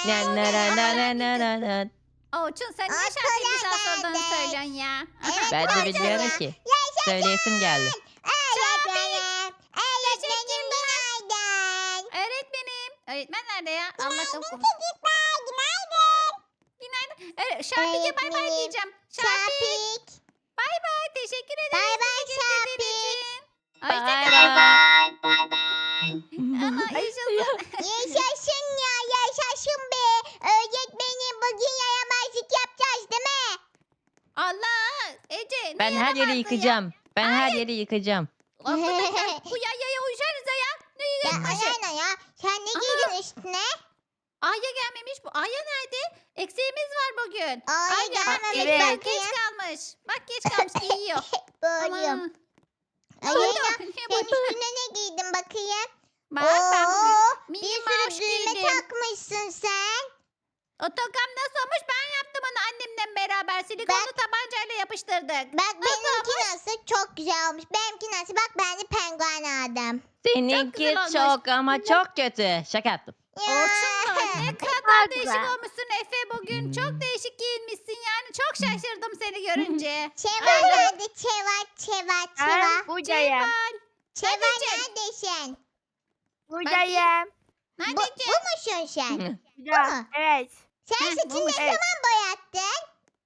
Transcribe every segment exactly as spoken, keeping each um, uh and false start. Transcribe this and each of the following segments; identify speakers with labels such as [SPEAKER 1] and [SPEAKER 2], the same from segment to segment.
[SPEAKER 1] Na na na na na na na na.
[SPEAKER 2] Orçun sen niye
[SPEAKER 3] Aa,
[SPEAKER 2] şarkıyı
[SPEAKER 3] kolay
[SPEAKER 2] güzel sorduğunu
[SPEAKER 3] geldi.
[SPEAKER 2] söylüyorsun ya?
[SPEAKER 3] Evet,
[SPEAKER 1] Ben de
[SPEAKER 3] başladı.
[SPEAKER 1] bilmiyorum ki.
[SPEAKER 3] Yaşasın.
[SPEAKER 1] Söyleyesim geldi.
[SPEAKER 3] Öğretmenim. Öğretmenim
[SPEAKER 2] Teşekkürler.
[SPEAKER 3] günaydın.
[SPEAKER 2] Öğretmenim. Öğretmen nerede ya? Allah
[SPEAKER 3] Günaydın
[SPEAKER 2] kapı.
[SPEAKER 3] çocuklar. Günaydın.
[SPEAKER 2] Günaydın. Öyle, Şarpik'e bay bay
[SPEAKER 3] Öğretmenim,
[SPEAKER 2] diyeceğim. Şarpik.
[SPEAKER 3] Şapik.
[SPEAKER 2] Bay bay. Teşekkür ederim.
[SPEAKER 3] Bay bay
[SPEAKER 2] bizi dinlediğin
[SPEAKER 3] Şapik.
[SPEAKER 2] için.
[SPEAKER 1] Bay
[SPEAKER 2] Hoşçakal.
[SPEAKER 1] bay.
[SPEAKER 2] Ama yaşasın.
[SPEAKER 3] Yaşasın ya yaşasın be. Öğretmenim bugün yaramazlık yapacağız değil mi?
[SPEAKER 2] Allah. Ece. ne
[SPEAKER 1] Ben her
[SPEAKER 2] yaramazdı
[SPEAKER 1] yeri
[SPEAKER 2] ya?
[SPEAKER 1] yıkacağım. Ben her yeri yıkacağım.
[SPEAKER 2] Arkadaşlar bu yayaya uyuşarız ya. Ne
[SPEAKER 3] Ya
[SPEAKER 2] yıkması?
[SPEAKER 3] Ayana ya. Sen ne
[SPEAKER 2] Ana.
[SPEAKER 3] giydin üstüne?
[SPEAKER 2] Aya gelmemiş bu. Aya nerede? Eksiğimiz var bugün.
[SPEAKER 3] Aya
[SPEAKER 2] Aya
[SPEAKER 3] gelmemiş
[SPEAKER 2] Ece bak
[SPEAKER 3] bakayım.
[SPEAKER 2] geç kalmış. Bak geç kalmış giyiyor.
[SPEAKER 3] Boyum.
[SPEAKER 2] Ama.
[SPEAKER 3] Ayana
[SPEAKER 2] Niye
[SPEAKER 3] sen
[SPEAKER 2] bu-
[SPEAKER 3] üstüne ne giydin bakayım?
[SPEAKER 2] Bak ben bugün
[SPEAKER 3] Oo,
[SPEAKER 2] mini
[SPEAKER 3] bir
[SPEAKER 2] mouse
[SPEAKER 3] sürü düğme
[SPEAKER 2] giydim.
[SPEAKER 3] takmışsın sen.
[SPEAKER 2] Otogam nasıl olmuş? Ben yaptım onu annemle beraber. Silikonlu tabancayla yapıştırdık.
[SPEAKER 3] Bak
[SPEAKER 2] Nasıl
[SPEAKER 3] benimki
[SPEAKER 2] olmuş?
[SPEAKER 3] nasıl? Çok güzel olmuş. Benimki nasıl? Bak ben de penguen aldım.
[SPEAKER 1] Seninki
[SPEAKER 2] güzel olmuş.
[SPEAKER 1] çok ama çok kötü. Şaka yaptım.
[SPEAKER 2] Orçun da ne kadar değişik olmuşsun Efe bugün.
[SPEAKER 1] Hmm.
[SPEAKER 2] Çok değişik giyinmişsin yani. Çok şaşırdım seni görünce.
[SPEAKER 3] Çeva nerede? Çeva, Çeva, Çeva.
[SPEAKER 4] Ben buradayım.
[SPEAKER 2] Cemal.
[SPEAKER 3] Çeva
[SPEAKER 2] Anneciğim.
[SPEAKER 3] neredesin?
[SPEAKER 4] Buradayım.
[SPEAKER 3] Bu,
[SPEAKER 2] Neredeciğim?
[SPEAKER 3] bu musun sen?
[SPEAKER 4] Burada.
[SPEAKER 3] mu?
[SPEAKER 4] Evet.
[SPEAKER 3] Sen
[SPEAKER 2] Heh,
[SPEAKER 3] saçını
[SPEAKER 2] bulmuş.
[SPEAKER 3] ne
[SPEAKER 4] Evet.
[SPEAKER 3] zaman boyattın?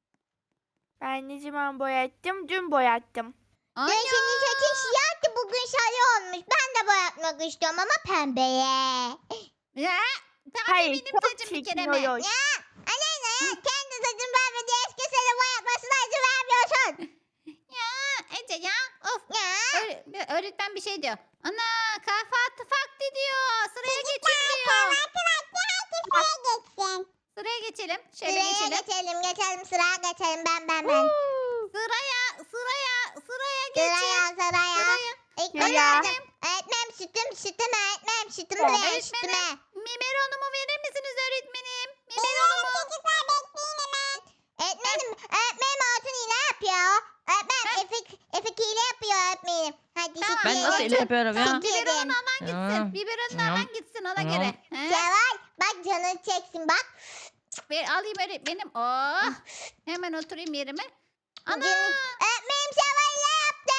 [SPEAKER 4] Ben ne zaman boyattım? Dün boyattım.
[SPEAKER 3] Dün
[SPEAKER 2] Ana.
[SPEAKER 3] senin saçın siyahtı, bugün sarı olmuş. Ben de boyatmak istiyorum ama pembeye.
[SPEAKER 2] Ya. Tamam
[SPEAKER 4] Hayır,
[SPEAKER 2] benim
[SPEAKER 4] çok
[SPEAKER 2] saçım bir
[SPEAKER 4] çirkin
[SPEAKER 2] kere mi?
[SPEAKER 4] oluyor.
[SPEAKER 3] Ya Aleyna ya kendi saçın pembe eski seni boyatmasına izin vermiyorsun.
[SPEAKER 2] Ya Ece ya. Of.
[SPEAKER 3] Ya.
[SPEAKER 2] Öğre- öğretmen bir şey diyor. Ana kahvaltı vakti diyor. Sıraya geçin diyor.
[SPEAKER 3] Kahvaltı vakti herkes sıraya geçsin.
[SPEAKER 2] Sıraya geçelim. Şöyle
[SPEAKER 3] Sıraya
[SPEAKER 2] geçelim.
[SPEAKER 3] geçelim geçelim sıraya geçelim ben ben ben.
[SPEAKER 2] Sıraya sıraya sıraya geçin.
[SPEAKER 3] Sıraya sıraya.
[SPEAKER 2] Sıraya.
[SPEAKER 3] İlk
[SPEAKER 4] Sıraya.
[SPEAKER 3] öğretmenim. Öğretmenim sütüm sütüm öğretmenim sütümü
[SPEAKER 2] Evet.
[SPEAKER 3] verin sütüme.
[SPEAKER 2] Öğretmenim. Biberonumu verir misiniz öğretmenim? Biberonumu.
[SPEAKER 3] Çocuklar bekleyin hemen. Öğretmenim, öğretmenim altın hile yapıyor. Öğretmenim Efik, Efik hile yapıyor öğretmenim. Hadi
[SPEAKER 2] Tamam.
[SPEAKER 3] süt
[SPEAKER 1] Ben nasıl
[SPEAKER 3] yiyelim.
[SPEAKER 1] öyle yapıyorum ya?
[SPEAKER 3] Süt
[SPEAKER 2] Biberonunu
[SPEAKER 3] yedim.
[SPEAKER 2] alan gitsin. Biberonunu
[SPEAKER 1] Tamam.
[SPEAKER 2] alan gitsin ona
[SPEAKER 1] Tamam.
[SPEAKER 2] göre. He?
[SPEAKER 3] Ceval bak canını çeksin bak.
[SPEAKER 2] Ver, alayım öğretmenim. Oh. Hemen oturayım yerime. Ana.
[SPEAKER 3] Canını... Öğretmenim Ceval hile yaptı.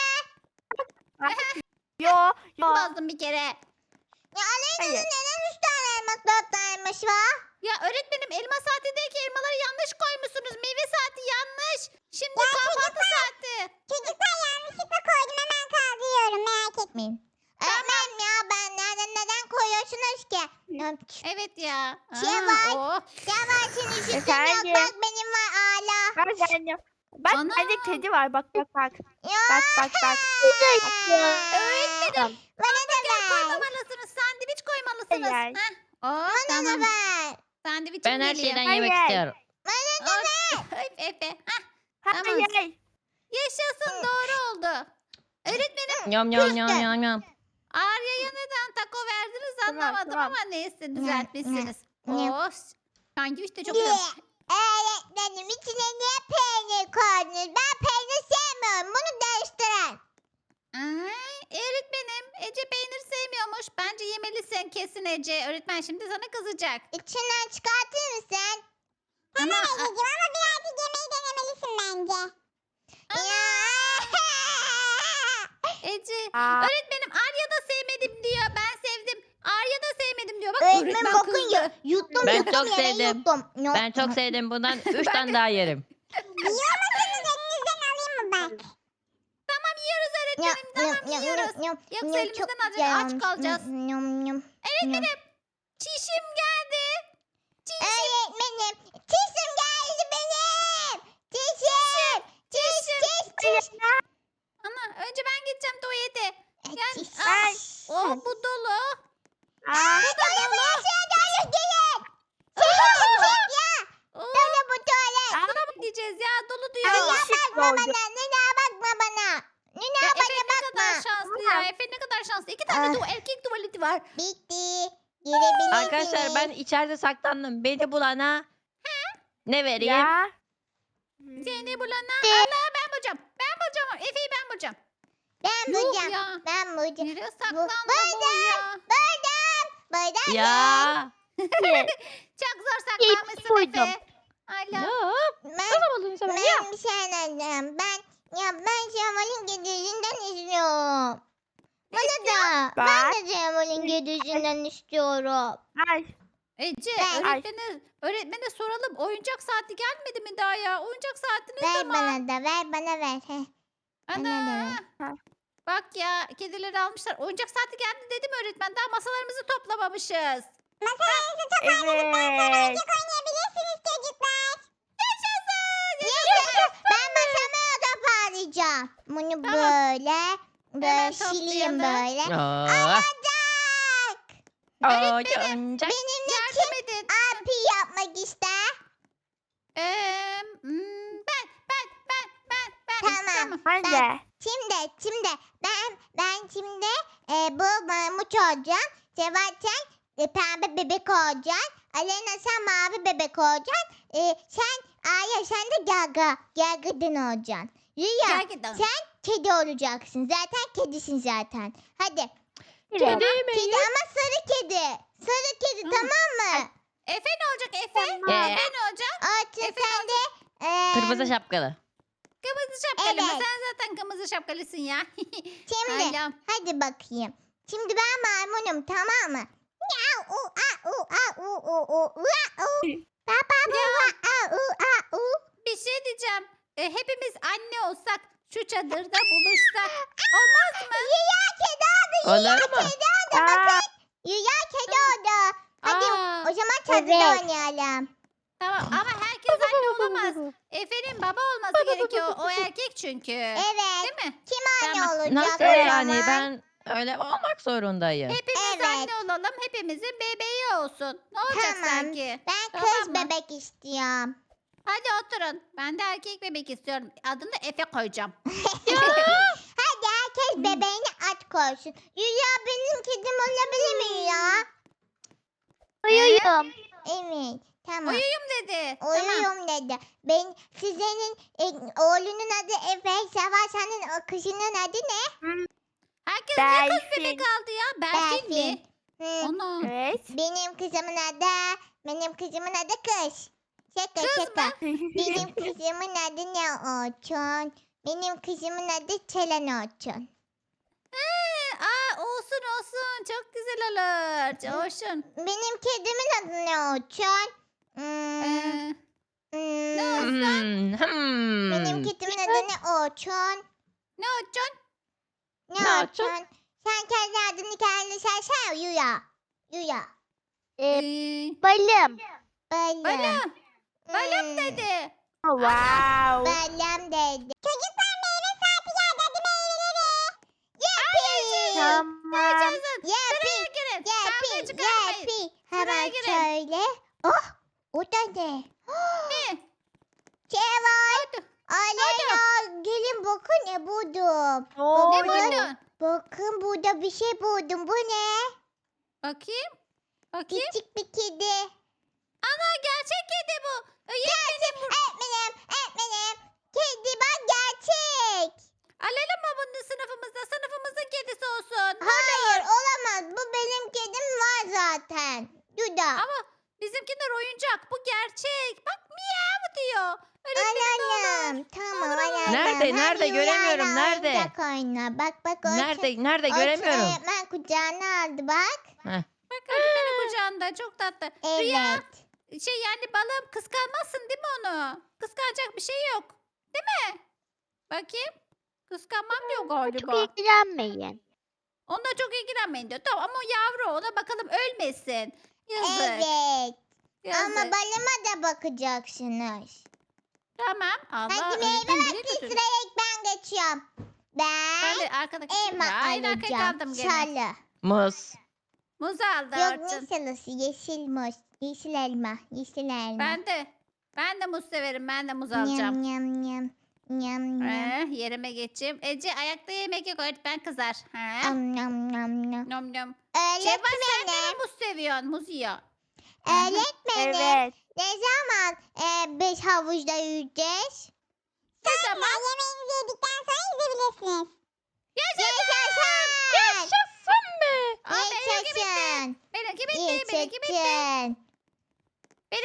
[SPEAKER 4] Yo, yo.
[SPEAKER 2] Bozdum bir kere.
[SPEAKER 3] Ya Aleyna'nın
[SPEAKER 4] Hayır.
[SPEAKER 3] neden üç tane elmas dört tane elmas var?
[SPEAKER 2] Ya öğretmenim elma saatindeki elmaları yanlış koymuşsunuz. Meyve saati yanlış. Şimdi kahvaltı saati.
[SPEAKER 3] Çocuklar yanlışlıkla koydum hemen kaldırıyorum merak etmeyin. Öğretmenim ya ben neden neden koyuyorsunuz ki?
[SPEAKER 2] Evet ya.
[SPEAKER 3] Ceval.
[SPEAKER 2] Aa, oh.
[SPEAKER 3] Ceval senin sütün yok
[SPEAKER 4] Efendim?
[SPEAKER 3] bak benim var hala.
[SPEAKER 4] Bak bende. Bak
[SPEAKER 2] Ana.
[SPEAKER 4] bende kedi var. Bak bak bak.
[SPEAKER 3] Ya.
[SPEAKER 4] Bak bak bak.
[SPEAKER 2] Öğretmenim.
[SPEAKER 3] Bana da
[SPEAKER 2] Hamburger
[SPEAKER 3] ver.
[SPEAKER 2] koymamalısınız. Sandviç koymalısınız.
[SPEAKER 4] Hayır.
[SPEAKER 2] Heh. Oh,
[SPEAKER 3] Bana da
[SPEAKER 2] tamam.
[SPEAKER 3] ver.
[SPEAKER 2] Sandviçim
[SPEAKER 1] Ben her
[SPEAKER 2] geliyor.
[SPEAKER 1] şeyden
[SPEAKER 4] Hayır.
[SPEAKER 1] yemek istiyorum.
[SPEAKER 3] Bana da ver.
[SPEAKER 2] Oh, Efe. Heh.
[SPEAKER 4] Hayır.
[SPEAKER 2] Yaşasın doğru oldu. Öğretmenim
[SPEAKER 1] Yom yom yom yom yom.
[SPEAKER 2] Arya'ya neden taco verdiniz
[SPEAKER 4] Tamam,
[SPEAKER 2] anlamadım
[SPEAKER 4] tamam.
[SPEAKER 2] ama neyse düzeltmişsiniz.
[SPEAKER 3] Ne?
[SPEAKER 2] Oh. Sandviç de çok
[SPEAKER 3] Ye.
[SPEAKER 2] güzel.
[SPEAKER 3] Öğretmenim içine niye peynir koydunuz? Ben peynir sevmiyorum. Bunu değiştirin.
[SPEAKER 2] Ay, öğretmenim Ece peynir sevmiyormuş. Bence yemelisin kesin Ece. Öğretmen şimdi sana kızacak.
[SPEAKER 3] İçinden çıkartır mısın?
[SPEAKER 2] Ama
[SPEAKER 3] Ececiğim ama birazcık yemeği denemelisin bence. Ya.
[SPEAKER 2] Ece
[SPEAKER 4] Aa,
[SPEAKER 2] öğretmenim Arya da sevmedim diyor. Ben sevdim. Arya da sevmedim diyor. Bak
[SPEAKER 3] Öğretmen
[SPEAKER 2] öğretmen
[SPEAKER 3] bakın
[SPEAKER 2] kızdı.
[SPEAKER 3] ya. Yuttum
[SPEAKER 1] Ben
[SPEAKER 3] yuttum
[SPEAKER 1] çok
[SPEAKER 3] yere
[SPEAKER 1] sevdim.
[SPEAKER 3] yuttum. Yok.
[SPEAKER 1] Ben çok sevdim. Bundan üç tane daha yerim.
[SPEAKER 3] Yiyormasanız elinizden alayım mı ben?
[SPEAKER 2] Tamam yiyoruz öğretmenim. Tamam yiyoruz. Yoksa elimizden alacak, aç kalacağız.
[SPEAKER 3] Yum, yum.
[SPEAKER 2] Öğretmenim çişim geldi. Çişim.
[SPEAKER 3] Öğretmenim. Çişim geldi benim. Çişim. Çiş çiş çiş.
[SPEAKER 2] Ana önce ben gideceğim tuvalete. Gel.
[SPEAKER 3] Çiş.
[SPEAKER 2] Ay. Oh bu dolu.
[SPEAKER 4] aa,
[SPEAKER 2] Bu da dolu.
[SPEAKER 3] Dolu gelin. Çiş ya.
[SPEAKER 2] Oh,
[SPEAKER 3] Dolu bu tuvalet.
[SPEAKER 2] Buna mı gideceğiz ya? Dolu
[SPEAKER 4] Aa,
[SPEAKER 2] diyor.
[SPEAKER 3] Nina
[SPEAKER 4] ışık
[SPEAKER 3] bakma
[SPEAKER 4] doldu.
[SPEAKER 3] bana. Nina bakma bana. Nina
[SPEAKER 2] Ya Efe
[SPEAKER 3] bana
[SPEAKER 2] ne kadar
[SPEAKER 3] bakma.
[SPEAKER 2] şanslı ya. Efe ne kadar şanslı. İki tane
[SPEAKER 3] Ah.
[SPEAKER 2] tu erkek tuvaleti var.
[SPEAKER 3] Bitti. Girebilirsiniz.
[SPEAKER 1] Arkadaşlar ben içeride saklandım. Beni bulana ne vereyim?
[SPEAKER 4] ya.
[SPEAKER 2] Seni bulana. Allah ben bulacağım. Ben bulacağım. Efe'yi ben bulacağım.
[SPEAKER 3] Ben
[SPEAKER 2] Yok
[SPEAKER 3] bulacağım.
[SPEAKER 2] ya.
[SPEAKER 3] Ben bulacağım.
[SPEAKER 2] Nereye
[SPEAKER 3] Bu-
[SPEAKER 2] saklandı bu ya?
[SPEAKER 3] Buldum. Buldum.
[SPEAKER 1] Ya.
[SPEAKER 2] Çok zor
[SPEAKER 4] Hiç
[SPEAKER 2] saklanmışsın
[SPEAKER 4] buydum.
[SPEAKER 2] Efe. Hala.
[SPEAKER 1] Ya
[SPEAKER 3] Ben,
[SPEAKER 1] nasıl buldun sen beni ya?
[SPEAKER 3] ben bir şey anladım. Ben ya ben Cemal'in güdüsünden istiyorum. Bana da. Ben
[SPEAKER 4] Bak.
[SPEAKER 3] de Cemal'in güdüsünden istiyorum.
[SPEAKER 4] Ay.
[SPEAKER 2] Ece
[SPEAKER 3] Ben-
[SPEAKER 2] öğretmene, öğretmene soralım. Oyuncak saati gelmedi mi daha ya? Oyuncak saati ne
[SPEAKER 3] Ver
[SPEAKER 2] zaman?
[SPEAKER 3] bana da ver bana ver. Heh.
[SPEAKER 2] Ana.
[SPEAKER 3] Bana da ver.
[SPEAKER 4] Ha.
[SPEAKER 2] Bak ya kedileri almışlar. Oyuncak saati geldi dedim öğretmen. Daha masalarımızı toplamamışız.
[SPEAKER 3] Masalarınızı toparladıktan sonra
[SPEAKER 4] Evet.
[SPEAKER 3] oyuncak oynayabilirsiniz çocuklar.
[SPEAKER 2] Yaşasın.
[SPEAKER 3] Yaşasın. Ben masamı toparlayacağım. Bunu
[SPEAKER 2] Tamam.
[SPEAKER 3] böyle
[SPEAKER 2] Hemen
[SPEAKER 3] böyle sileyim
[SPEAKER 2] toplayalım.
[SPEAKER 3] böyle.
[SPEAKER 1] Aa,
[SPEAKER 3] Oyuncak.
[SPEAKER 1] oyuncak.
[SPEAKER 3] Benimle kim
[SPEAKER 2] Yardım edin.
[SPEAKER 3] abi yapmak ister?
[SPEAKER 2] Ee, hmm, ben, ben, ben, ben, ben.
[SPEAKER 3] Tamam.
[SPEAKER 4] Ben
[SPEAKER 3] Ben-
[SPEAKER 4] de.
[SPEAKER 3] Şimdi şimdi ben ben şimdi e, bu maymuç olacağım. Sebastian e, pembe bebek olacaksın. Alena sen mavi bebek olacaksın. E, sen Aya sen de gaga. Gagadan olacaksın. Rüya
[SPEAKER 2] Gel gidelim.
[SPEAKER 3] sen kedi olacaksın. Zaten kedisin zaten. Hadi.
[SPEAKER 1] Kedi mi?
[SPEAKER 3] Kedi ama sarı kedi. Sarı kedi
[SPEAKER 2] Hı.
[SPEAKER 3] tamam mı?
[SPEAKER 2] Efe ne olacak Efe?
[SPEAKER 4] Tamam.
[SPEAKER 2] Efe ne olacak?
[SPEAKER 3] Artık
[SPEAKER 2] Efe
[SPEAKER 3] sen de e,
[SPEAKER 1] Kırmızı şapkalı.
[SPEAKER 2] Kırmızı şapkalı mı?
[SPEAKER 3] Evet.
[SPEAKER 2] Sen zaten kırmızı şapkalısın ya.
[SPEAKER 3] Şimdi
[SPEAKER 2] Hala.
[SPEAKER 3] hadi bakayım. Şimdi ben maymunum tamam mı? Miau, u, a, u, a, u, u, u, u, a, u. Ba, ba, bu, a, a, u, a, u.
[SPEAKER 2] Bir şey diyeceğim. E, hepimiz anne olsak şu çadırda buluşsak olmaz mı?
[SPEAKER 3] Rüya kedi oldu.
[SPEAKER 1] Olur mu?
[SPEAKER 3] Kedi oldu
[SPEAKER 4] Aa,
[SPEAKER 3] bakın. Rüya kedi oldu. Hadi
[SPEAKER 2] Aa,
[SPEAKER 3] o zaman çadırda
[SPEAKER 4] Evet.
[SPEAKER 3] oynayalım.
[SPEAKER 2] tamam ama herkes anne olamaz. Efe'nin baba olması gerekiyor. O erkek çünkü.
[SPEAKER 3] Evet.
[SPEAKER 2] Değil mi?
[SPEAKER 3] Kim anne
[SPEAKER 2] Tamam.
[SPEAKER 3] olacak
[SPEAKER 1] Nasıl
[SPEAKER 3] o
[SPEAKER 1] yani?
[SPEAKER 3] zaman?
[SPEAKER 1] Ben öyle olmak zorundayım.
[SPEAKER 2] Hepimiz
[SPEAKER 3] Evet.
[SPEAKER 2] anne olalım. Hepimizin bebeği olsun. Ne olacak
[SPEAKER 3] Tamam.
[SPEAKER 2] sanki?
[SPEAKER 3] Ben
[SPEAKER 2] Tamam
[SPEAKER 3] kız
[SPEAKER 2] mı?
[SPEAKER 3] bebek istiyorum.
[SPEAKER 2] Hadi oturun. Ben de erkek bebek istiyorum. Adını Efe koyacağım.
[SPEAKER 3] Hadi herkes
[SPEAKER 2] Hmm.
[SPEAKER 3] bebeğini at koysun. Rüya benim kedim olabilir mi Rüya?
[SPEAKER 4] uyuyorum.
[SPEAKER 3] Evet. Tamam.
[SPEAKER 2] Uyuyum dedi. Tamam.
[SPEAKER 3] Uyuyorum dedi. Ben sizin e, oğlunun adı Efe, Sevaşan'ın o kızının adı ne?
[SPEAKER 2] Herkes niye kız
[SPEAKER 4] Berfin.
[SPEAKER 2] bebek aldı ya? Berfin mi?
[SPEAKER 3] Hı.
[SPEAKER 2] Ana.
[SPEAKER 4] Evet.
[SPEAKER 3] Benim kızımın adı, benim kızımın adı Kız. Şaka
[SPEAKER 2] Kız
[SPEAKER 3] şaka.
[SPEAKER 2] mı?
[SPEAKER 3] Benim kızımın adı ne Orçun? Benim kızımın adı Çelen Orçun.
[SPEAKER 2] Ee, Aa, olsun olsun. Çok güzel olur. Olsun.
[SPEAKER 3] Benim kedimin adı ne Orçun? Hmm,
[SPEAKER 2] Ee,
[SPEAKER 3] hmm,
[SPEAKER 2] ne olsun?
[SPEAKER 1] Hmm, hmm.
[SPEAKER 3] Benim kedimin adı ne Orçun?
[SPEAKER 2] Ne olacaksın?
[SPEAKER 3] Ne
[SPEAKER 1] Ne Orçun?
[SPEAKER 3] Orçun? Sen kendi adını kendine sen Yuya. Yuya.
[SPEAKER 4] Ee,
[SPEAKER 2] Ee,
[SPEAKER 4] balım.
[SPEAKER 3] Balım.
[SPEAKER 2] balım. Balım
[SPEAKER 3] Hmm.
[SPEAKER 2] dedi.
[SPEAKER 4] Wow.
[SPEAKER 3] Balım dedi. Çocuklar meyve saati geldi. Hadi meyveleri. Yapayım.
[SPEAKER 4] Tamam.
[SPEAKER 2] Yaşasın. Sıraya
[SPEAKER 3] Yapayım.
[SPEAKER 2] girin. Kavga
[SPEAKER 3] Yapayım.
[SPEAKER 2] çıkarmayın.
[SPEAKER 3] Yapayım.
[SPEAKER 2] Sıraya
[SPEAKER 3] Hemen
[SPEAKER 2] girin.
[SPEAKER 3] şöyle. Oh. O da ne?
[SPEAKER 2] Ne?
[SPEAKER 3] Ceval.
[SPEAKER 2] Hadi.
[SPEAKER 3] Aleyna. Gelin bakın ne buldum.
[SPEAKER 4] Ne
[SPEAKER 2] Ne
[SPEAKER 4] oldu?
[SPEAKER 2] buldun?
[SPEAKER 3] Bakın burada bir şey buldum. Bu ne?
[SPEAKER 2] Bakayım. Bakayım.
[SPEAKER 3] Küçük bir kedi.
[SPEAKER 2] Ana gerçek kedi bu. Ee,
[SPEAKER 3] Gerçek. Öğretmenim. Öğretmenim. Kedi bak gerçek.
[SPEAKER 2] Alalım mı bunu sınıfımızda? Sınıfımızın kedisi olsun.
[SPEAKER 3] Hayır olamaz. Bu benim kedim var zaten. Duda.
[SPEAKER 2] Ama bizimkiler oyuncak. Bu gerçek. Bak miyav diyor. Öğretmenim ne olur.
[SPEAKER 3] Anladım. Tamam
[SPEAKER 2] Olur, olur.
[SPEAKER 3] anladım.
[SPEAKER 1] Nerede,
[SPEAKER 3] Hadi
[SPEAKER 1] nerede?
[SPEAKER 3] Rüyayla
[SPEAKER 1] Göremiyorum, nerede?
[SPEAKER 3] oyuncak oyna. Bak bak. Orçun-
[SPEAKER 1] Nerede? Nerede?
[SPEAKER 3] Orçun
[SPEAKER 1] Göremiyorum.
[SPEAKER 3] öğretmen kucağına aldı bak.
[SPEAKER 2] Bak öğretmenin kucağında. Çok tatlı. Rüya
[SPEAKER 3] Evet.
[SPEAKER 2] şey yani balım kıskanmazsın değil mi onu? Kıskanacak bir şey yok. Değil mi? Bakayım. Kıskanmam diyor
[SPEAKER 4] Çok
[SPEAKER 2] galiba.
[SPEAKER 4] ilgilenmeyin.
[SPEAKER 2] Onunla çok ilgilenmeyin diyor. Tamam ama o yavru ona bakalım ölmesin. Yazık.
[SPEAKER 3] Evet.
[SPEAKER 2] Yazık.
[SPEAKER 3] Ama balıma da bakacaksınız.
[SPEAKER 2] Tamam. Allah
[SPEAKER 3] Hadi meyve
[SPEAKER 2] öğretmen bile
[SPEAKER 3] vakti
[SPEAKER 2] götürür.
[SPEAKER 3] sıraya ilk ben geçiyorum. Ben
[SPEAKER 2] Ben de arkadaki
[SPEAKER 3] elma
[SPEAKER 2] Ya, aynı arkaya
[SPEAKER 3] alacağım.
[SPEAKER 2] kaldım gene.
[SPEAKER 3] Salı.
[SPEAKER 1] Muz.
[SPEAKER 2] Muz aldı
[SPEAKER 3] Yok
[SPEAKER 2] Orçun.
[SPEAKER 3] ne salısı? Yeşil muz. Yeşil elma. Yeşil elma.
[SPEAKER 2] Ben de. Ben de muz severim. Ben de muz alacağım.
[SPEAKER 3] Nyam nyam nyam. Nyam nyam.
[SPEAKER 2] Eh, yerime geçeyim. Ece ayakta yemek yok öğretmen kızar. Ha?
[SPEAKER 3] Am nyam nyam nyam.
[SPEAKER 2] Nom nom. Şevval sen de
[SPEAKER 3] Öğretmenim.
[SPEAKER 2] mi muz seviyorsun? Muz yiyor. Aha.
[SPEAKER 3] Öğretmenim.
[SPEAKER 4] Evet.
[SPEAKER 3] Ne zaman e, biz havuzda yüzeceğiz?
[SPEAKER 2] Ne zaman?
[SPEAKER 3] Yemeğinizi yedikten sonra yüzebilirsiniz.
[SPEAKER 2] Yaşasın.
[SPEAKER 3] Yaşasın.
[SPEAKER 1] Yaşasın be.
[SPEAKER 2] Aa, benimki bitti.
[SPEAKER 3] Yaşasın.
[SPEAKER 2] Benimki bitti. Benimki bitti.
[SPEAKER 3] Yaşasın.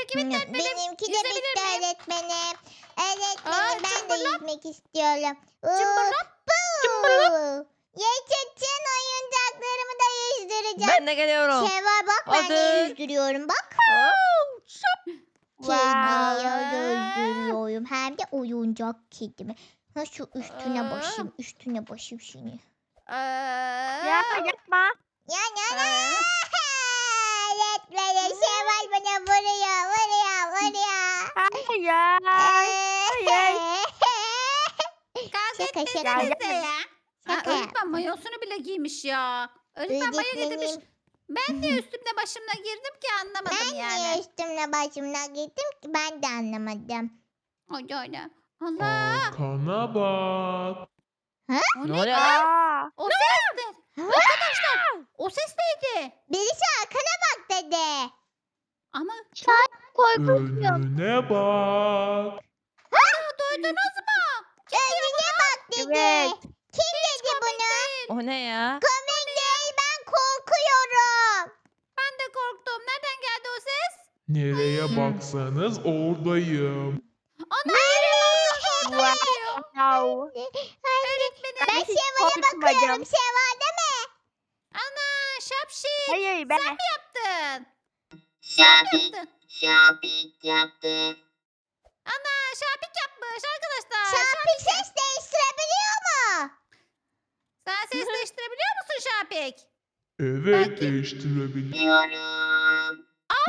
[SPEAKER 2] Peki bitti öğretmenim.
[SPEAKER 3] Benimki de
[SPEAKER 2] Yüzebilir
[SPEAKER 3] bitti
[SPEAKER 2] miyim?
[SPEAKER 3] öğretmenim. Öğretmenim
[SPEAKER 2] Aa,
[SPEAKER 3] ben de
[SPEAKER 2] cımbırlak.
[SPEAKER 3] yüzmek istiyorum.
[SPEAKER 2] Cımbırlak.
[SPEAKER 3] Cımbırlak. Yaşasın, oyuncaklarımı da yüzdüreceğim.
[SPEAKER 1] Ben de geliyorum.
[SPEAKER 3] Şevval bak, ben de
[SPEAKER 1] Hadi.
[SPEAKER 3] yüzdürüyorum bak.
[SPEAKER 1] Oo, şap.
[SPEAKER 3] Kediye
[SPEAKER 2] Wow.
[SPEAKER 3] yüzdürüyorum. Hem de oyuncak kedimi. Ha, şu üstüne
[SPEAKER 2] Aa.
[SPEAKER 3] basayım, üstüne basayım şimdi.
[SPEAKER 4] Ya
[SPEAKER 2] Aa,
[SPEAKER 4] yapma.
[SPEAKER 3] Ya ya ya.
[SPEAKER 2] aa.
[SPEAKER 3] Öğretmenim Şevval bana vuruyor, vuruyor, vuruyor.
[SPEAKER 4] Hayır. Hayır.
[SPEAKER 2] Kavga
[SPEAKER 3] Şaka,
[SPEAKER 2] etmesenize
[SPEAKER 3] şaka.
[SPEAKER 2] ya. Ha,
[SPEAKER 3] Şaka
[SPEAKER 2] öğretmen mayosunu bile giymiş ya. Öğretmen mayo getirmiş.
[SPEAKER 3] Öğretmenim,
[SPEAKER 2] Ben de üstümde başımda girdim ki anlamadım
[SPEAKER 3] ben
[SPEAKER 2] yani.
[SPEAKER 3] niye üstümle başımla gittim ki ben de anlamadım.
[SPEAKER 2] Öyle öyle. Allah.
[SPEAKER 5] Arkana bak.
[SPEAKER 2] O
[SPEAKER 1] Ne
[SPEAKER 2] ne?
[SPEAKER 1] oluyor lan?
[SPEAKER 4] Aa.
[SPEAKER 2] O ses ne? Arkadaşlar o ses neydi?
[SPEAKER 3] Birisi arkana bak dedi.
[SPEAKER 2] Ama
[SPEAKER 5] Önüne bak.
[SPEAKER 2] duydunuz mu?
[SPEAKER 3] Önüne bak dedi.
[SPEAKER 4] Evet.
[SPEAKER 3] Kim dedi bunu?
[SPEAKER 1] O ne ya?
[SPEAKER 3] Komik değil, ben korkuyorum.
[SPEAKER 2] Ben de korktum. Nereden geldi o ses?
[SPEAKER 5] Nereye baksanız oradayım.
[SPEAKER 2] Ana yere baksanız orada diyor.
[SPEAKER 4] Wow.
[SPEAKER 2] Öğretmenim.
[SPEAKER 3] Ben
[SPEAKER 4] hiç
[SPEAKER 3] Şevval'e
[SPEAKER 4] korkmadım.
[SPEAKER 3] bakıyorum. Şevval değil mi?
[SPEAKER 2] Ana şapşik.
[SPEAKER 4] Hayır ben.
[SPEAKER 2] Sen mi yaptın? Sen mi yaptın?
[SPEAKER 6] Şapik yaptı.
[SPEAKER 2] Ana şapik yapmış arkadaşlar.
[SPEAKER 3] Şapik ses değiştirebiliyor mu?
[SPEAKER 2] Sen ses değiştirebiliyor musun Şapik?
[SPEAKER 5] Evet,
[SPEAKER 2] Belki-
[SPEAKER 5] değiştirebilirim.
[SPEAKER 6] Diyorum.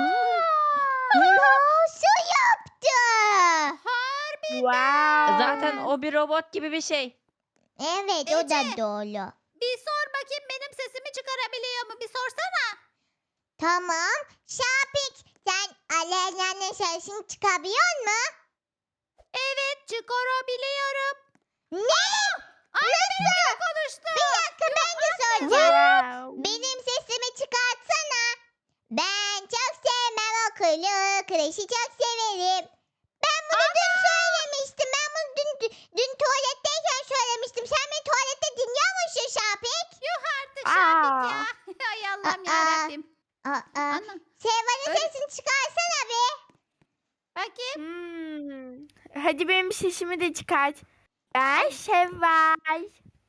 [SPEAKER 3] Nasıl yaptı?
[SPEAKER 2] Harbi.
[SPEAKER 4] Wow.
[SPEAKER 1] Zaten o bir robot gibi bir şey.
[SPEAKER 3] Evet, o da
[SPEAKER 2] Ece.
[SPEAKER 3] doğru.
[SPEAKER 2] Bir sor bakayım benim sesimi çıkarabiliyor mu? Bir sorsana.
[SPEAKER 3] Tamam. Şapik, sen Aleyna'nın sesini çıkabiliyor musun?
[SPEAKER 2] Evet çıkarabiliyorum.
[SPEAKER 3] Ne?
[SPEAKER 2] Ay benimle konuştu.
[SPEAKER 3] Bir dakika, ben de soracağım.
[SPEAKER 4] Wow.
[SPEAKER 3] Benim sesimi çıkartsana. Ben çok sevmem okulu. Kreşi çok severim. Ben bunu dün söylemiştim. Ben bunu dün, dün, dün tuvaletteyken söylemiştim. Sen beni tuvalette dinliyor musun Şapik?
[SPEAKER 2] Yuh artık Şapik
[SPEAKER 4] Aa.
[SPEAKER 2] ya. Ay Allah'ım
[SPEAKER 3] Aa.
[SPEAKER 2] yarabbim.
[SPEAKER 3] Aa,
[SPEAKER 2] Ana
[SPEAKER 3] Sevval'in
[SPEAKER 2] Öyle-
[SPEAKER 3] sesini çıkarsana bir.
[SPEAKER 2] bakayım.
[SPEAKER 4] Hmm. Hadi benim sesimi de çıkart. Ben Şevval.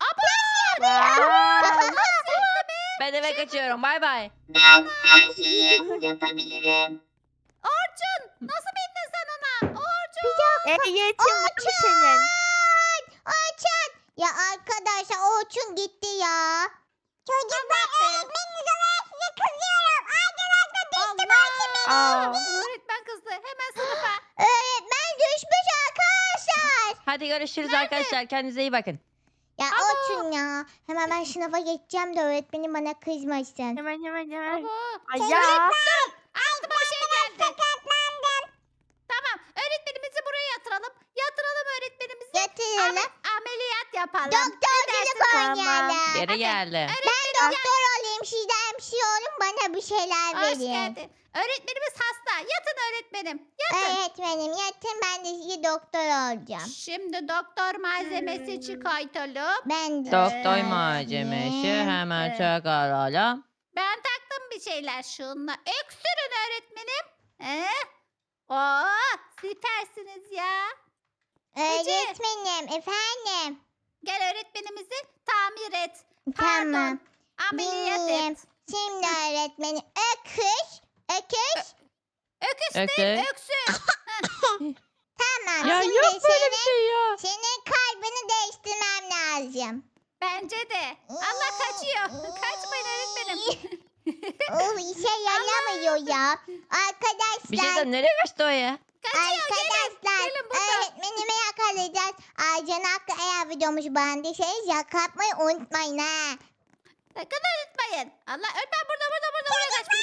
[SPEAKER 4] Wow.
[SPEAKER 1] Ben eve kaçıyorum. Bay bay.
[SPEAKER 6] Ben her şeyi yapabilirim.
[SPEAKER 2] Orçun nasıl bildin sen ona? Orçun.
[SPEAKER 4] Ehliyetin var mı senin?
[SPEAKER 3] Orçun. Ya arkadaşlar Orçun gitti ya. Çocuklar öğretmeniniz olarak size kızıyorum. Arkadaşlar düştü başım.
[SPEAKER 4] Aa.
[SPEAKER 2] Öğretmen kızdı. Hemen sınıfa.
[SPEAKER 3] Öğretmen düşmüş arkadaşlar.
[SPEAKER 1] Hadi görüşürüz arkadaşlar. Kendinize iyi bakın.
[SPEAKER 3] Ya
[SPEAKER 2] Abo.
[SPEAKER 3] Orçun ya. Hemen ben sınıfa geçeceğim de öğretmenim bana kızmasın.
[SPEAKER 4] Hemen hemen hemen.
[SPEAKER 2] Abo.
[SPEAKER 4] Ay ya.
[SPEAKER 2] Aklıma bir şey geldi. Tamam. Öğretmenimizi buraya yatıralım. Yatıralım öğretmenimizi.
[SPEAKER 3] Yatıralım.
[SPEAKER 2] Ame- ameliyat yapalım.
[SPEAKER 3] Doktorculuk
[SPEAKER 4] Tamam.
[SPEAKER 3] oynayalım.
[SPEAKER 1] Geri geldi.
[SPEAKER 3] Ben doktor olayım. Siz de hemşire olun. Bana bir şeyler
[SPEAKER 2] Hoş
[SPEAKER 3] verin.
[SPEAKER 2] geldin. Öğretmenimiz hasta. Yatın öğretmenim. Yatın.
[SPEAKER 3] Öğretmenim yatın, ben de size doktor olacağım.
[SPEAKER 2] Şimdi doktor malzemesi
[SPEAKER 4] Hmm.
[SPEAKER 2] çıkartalım.
[SPEAKER 3] Ben de.
[SPEAKER 1] Doktor
[SPEAKER 2] Ee,
[SPEAKER 1] malzemesi hemen
[SPEAKER 2] evet.
[SPEAKER 1] çıkaralım.
[SPEAKER 2] Ben taktım bir şeyler şunla. Öksürün öğretmenim. Ee? Oo, süpersiniz ya.
[SPEAKER 3] Öğretmenim efendim.
[SPEAKER 2] Gel öğretmenimizi tamir et.
[SPEAKER 3] Tamam.
[SPEAKER 2] Pardon. Ameliyat
[SPEAKER 3] Dinleyeyim.
[SPEAKER 2] et.
[SPEAKER 3] Şimdi öğretmenim öküz. Öküz.
[SPEAKER 2] Öküz
[SPEAKER 1] Öküz.
[SPEAKER 2] değil, öksür.
[SPEAKER 3] Tamam.
[SPEAKER 1] Ya
[SPEAKER 3] Şimdi
[SPEAKER 1] yok böyle
[SPEAKER 3] senin,
[SPEAKER 1] bir şey ya.
[SPEAKER 3] senin kalbini değiştirmem lazım.
[SPEAKER 2] Bence de. Allah kaçıyor. Kaçmayın öğretmenim.
[SPEAKER 3] Oh, işe yaramıyor ya.
[SPEAKER 1] Bir şey
[SPEAKER 3] Arkadaşlar.
[SPEAKER 1] de nereye kaçtı o ya?
[SPEAKER 2] Kaçıyor gelin.
[SPEAKER 3] Arkadaşlar
[SPEAKER 2] Gelin burada.
[SPEAKER 3] öğretmenimi yakalayacağız. Aycan Hakkı eğer videomuzu beğendiyseniz yaklatmayı unutmayın ha.
[SPEAKER 2] Sakın unutmayın. Allah öğretmen burada burada burada buraya kaçmış.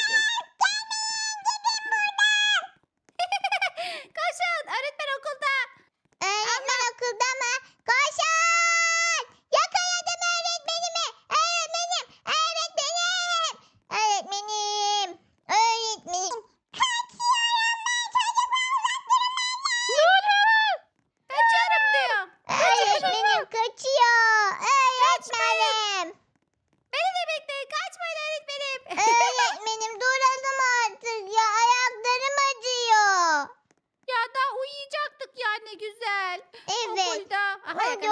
[SPEAKER 2] Koşun öğretmen okulda.
[SPEAKER 3] Öğretmen okulda mı? Koşun! Yakaladım öğretmenimi. Öğretmenim. Öğretmenim. Öğretmenim. Öğretmenim.
[SPEAKER 2] Kaçıyorum diyor.
[SPEAKER 3] Öğretmenim kaçıyor. Öğretmenim.
[SPEAKER 2] Beni de bekleyin. Kaçmayın öğretmenim.
[SPEAKER 3] Öğretmenim duralım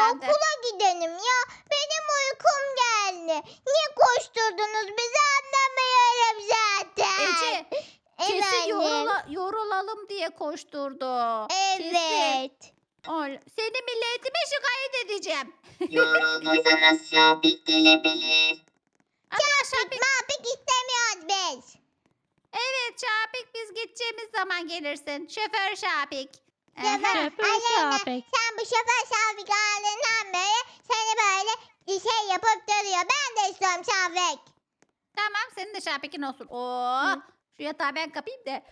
[SPEAKER 2] herhalde.
[SPEAKER 3] okula gidelim ya. Benim uykum geldi. Niye koşturdunuz bizi anlamıyorum zaten.
[SPEAKER 2] Ece kesin
[SPEAKER 3] Efendim?
[SPEAKER 2] yorula, yorulalım diye koşturdu. Kesin.
[SPEAKER 3] Evet.
[SPEAKER 2] Ol- Seni milletime şikayet edeceğim.
[SPEAKER 6] Yorulduysanız Şapik gelebilir.
[SPEAKER 2] Arkadaşlar bir-
[SPEAKER 3] Mapik istemiyoruz biz.
[SPEAKER 2] evet Şapik biz gideceğimiz zaman gelirsin. Şoför Şapik.
[SPEAKER 3] Şoför,
[SPEAKER 2] Aha.
[SPEAKER 1] Şoför
[SPEAKER 3] Aleyna,
[SPEAKER 1] Şapik.
[SPEAKER 3] sen bu şoför Şafik aldığından beri seni böyle bir şey yapıp duruyor. Ben de istiyorum Şafik.
[SPEAKER 2] Tamam senin de Şapik'in olsun. Oo, şu yatağı ben kapayım da.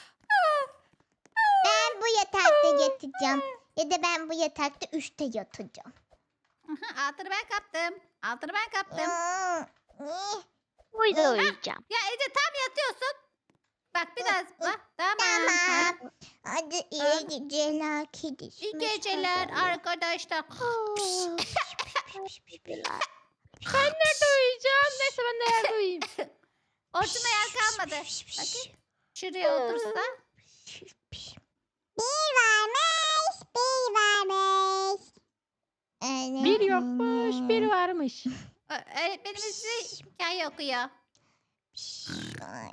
[SPEAKER 3] Ben bu yatakta yatacağım. Ya da ben bu yatakta üçte yatacağım.
[SPEAKER 2] Aha, altını ben kaptım. Altını ben kaptım.
[SPEAKER 3] Hmm, eh,
[SPEAKER 1] Burada uyuyacağım.
[SPEAKER 2] Ya Ece tam yatıyorsun. Bak biraz bak. Tamam. Ha.
[SPEAKER 3] Tamam. Hadi iyi geceler kedisi.
[SPEAKER 2] İyi geceler arkadaşlar.
[SPEAKER 1] Ben nerede uyuyacağım? Neyse ben de yerde uyuyayım.
[SPEAKER 2] Ortada yer kalmadı. Bakayım. Şuraya otursa.
[SPEAKER 3] Bir varmış, bir varmış. Öyle
[SPEAKER 1] Bir yokmuş, bir varmış.
[SPEAKER 2] Ö- Öğretmenimiz size hikaye okuyor.
[SPEAKER 3] Ay.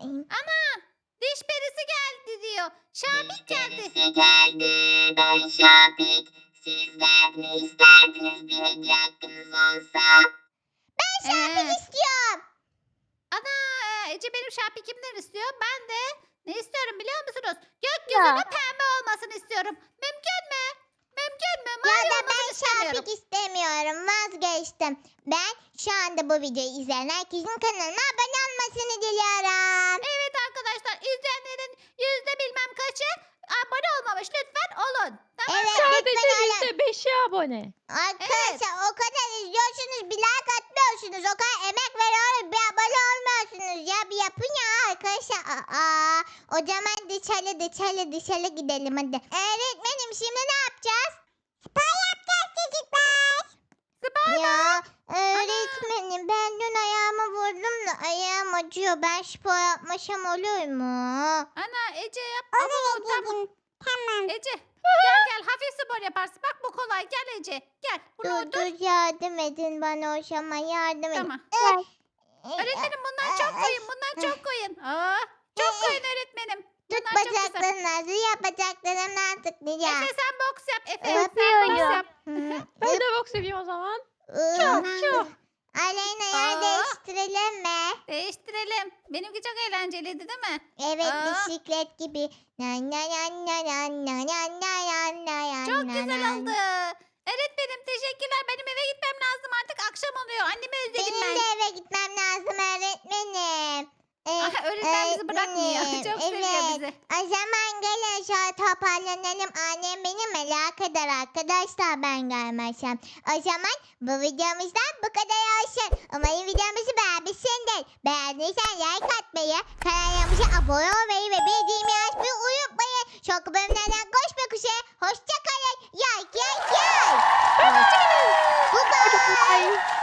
[SPEAKER 2] Diş perisi geldi diyor. Şapik geldi.
[SPEAKER 6] Birisi geldi. Ben Şapik. Sizden ne isterdiniz bir hediye hakkınız olsa?
[SPEAKER 2] Ee,
[SPEAKER 3] İstiyorum.
[SPEAKER 2] ana Ece benim Şapik'imden istiyor. Ben de ne istiyorum biliyor musunuz? Gökyüzünün pembe olmasını istiyorum. Mümkün mü? Mümkün mü?
[SPEAKER 3] Ya
[SPEAKER 2] Mavi
[SPEAKER 3] da
[SPEAKER 2] olmasını
[SPEAKER 3] ben
[SPEAKER 2] istemiyorum.
[SPEAKER 3] Şapik istemiyorum. Vazgeçtim. Ben şu anda bu videoyu izleyen herkesin kanalına abone olmasını diliyorum.
[SPEAKER 2] Evet arkadaşlar izleyenlerin yüzde bilmem kaçı abone olmamış. Lütfen olun. Tamam.
[SPEAKER 3] Evet
[SPEAKER 1] Sadece
[SPEAKER 3] lütfen olun.
[SPEAKER 1] yüzde beşi abone.
[SPEAKER 3] Arkadaşlar o kadar izliyorsunuz bir like atmıyorsunuz. O kadar emek veriyoruz bir abone olmuyorsunuz. Ya bir yapın ya arkadaşlar. Aa, o zaman dışarı dışarı dışarı gidelim hadi. Öğretmenim şimdi ne yapacağız? Spor yapacağız çocuklar. Ya öğretmenim ben dün ayağımı vurdum da ayağım acıyor. Ben spor yapmasam olur mu?
[SPEAKER 2] Ana Ece yap. Ama tamam.
[SPEAKER 3] Tamam.
[SPEAKER 2] Ece gel gel hafif spor yaparsın. Bak bu kolay. Gel Ece. Gel. Bunu
[SPEAKER 3] Dur
[SPEAKER 2] otur.
[SPEAKER 3] dur yardım edin bana o zaman yardım edin.
[SPEAKER 2] Tamam.
[SPEAKER 3] Ay,
[SPEAKER 2] Öğretmenim bundan çok koyun. Bundan çok koyun. Aa, çok koyun öğretmenim.
[SPEAKER 3] Tut
[SPEAKER 2] Bunlar çok güzel.
[SPEAKER 3] bacaklarını yap bacaklarımdan tıklayacağım.
[SPEAKER 2] Efe sen boks yap. Efe sen
[SPEAKER 3] Yapıyorum.
[SPEAKER 2] boks yap.
[SPEAKER 1] Ben de boks yapayım o zaman.
[SPEAKER 3] Çok
[SPEAKER 1] çok.
[SPEAKER 3] Aleyna yer
[SPEAKER 2] Aa.
[SPEAKER 3] değiştirelim mi?
[SPEAKER 2] Değiştirelim. Benimki çok eğlenceliydi değil mi?
[SPEAKER 3] Evet
[SPEAKER 2] Aa.
[SPEAKER 3] bisiklet gibi. Na na na na na na na na na na
[SPEAKER 2] Çok
[SPEAKER 3] na
[SPEAKER 2] güzel
[SPEAKER 3] na.
[SPEAKER 2] oldu. Öğretmenim teşekkürler. Benim eve gitmem lazım artık. Akşam oluyor. Annemi özledim
[SPEAKER 3] Benim
[SPEAKER 2] ben.
[SPEAKER 3] de eve gitmem lazım öğretmenim. Ee,
[SPEAKER 2] Aha, öğretmen bizi bırakmıyor.
[SPEAKER 3] öğretmenim,
[SPEAKER 2] Çok seviyor
[SPEAKER 3] evet.
[SPEAKER 2] bizi.
[SPEAKER 3] O zaman gelin şöyle toparlanalım. Annem beni merak eder arkadaşlar ben gelmezsem. O zaman bu videomuzdan bu kadar olsun. Umarım videomuzu beğenmişsindir. Beğendiysen like atmayı, kanalımıza abone olmayı ve bildiğimi açmayı unutmayın. Çok bölümlerden koşmak üzere. Hoşçakalın. Yay yay yay. Hoşçakalın. Bye bye.
[SPEAKER 1] Bye.